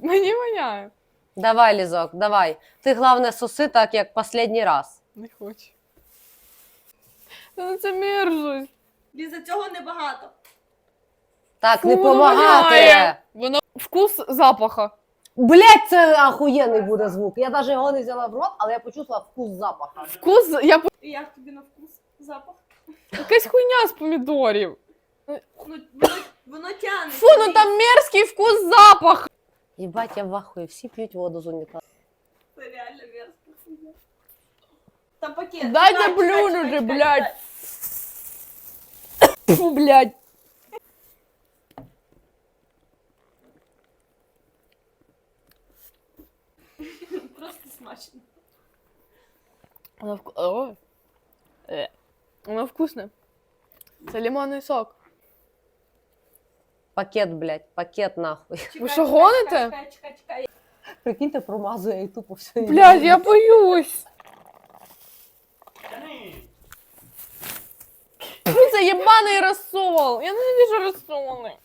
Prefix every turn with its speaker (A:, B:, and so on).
A: Мені воняє.
B: Давай, Лізок, давай. Ти, головне, соси так, як останній раз.
A: Не хочу. Та це мерзость.
C: Ліза, цього небагато.
B: Так,
A: Фу,
B: не
A: воно
B: помагати.
A: воняє. Воно вкус запаха.
B: Блять, це ахуєнний буде звук. Я навіть його не взяла в рот, але я почувствувала вкус запаха.
A: Вкус,
C: І як тобі на вкус? Запах?
A: якась хуйня з помідорів.
C: Ну, воно тягне.
A: Фу, ну там мерзкий вкус запах.
B: Єбать, я в ахуї, всі п'ють воду з унітазу.
C: Це реально мерзко. Там пакет.
A: Дайте
C: Чекай,
A: плюнуть
C: чекай,
A: же,
C: чекай,
A: блядь.
C: чекай.
A: Фу, блядь.
C: Просто смачно.
A: Воно вкусне. Це лимонний сок.
B: Пакет, блядь, пакет нахуй.
C: Чекай,
A: що,
C: чекай,
A: гоните?
C: Чекай.
B: Прикиньте, промазує і тупо все.
A: Блядь, я боюсь. Фу, це єбаний розсол. Я ненавижу розсоли.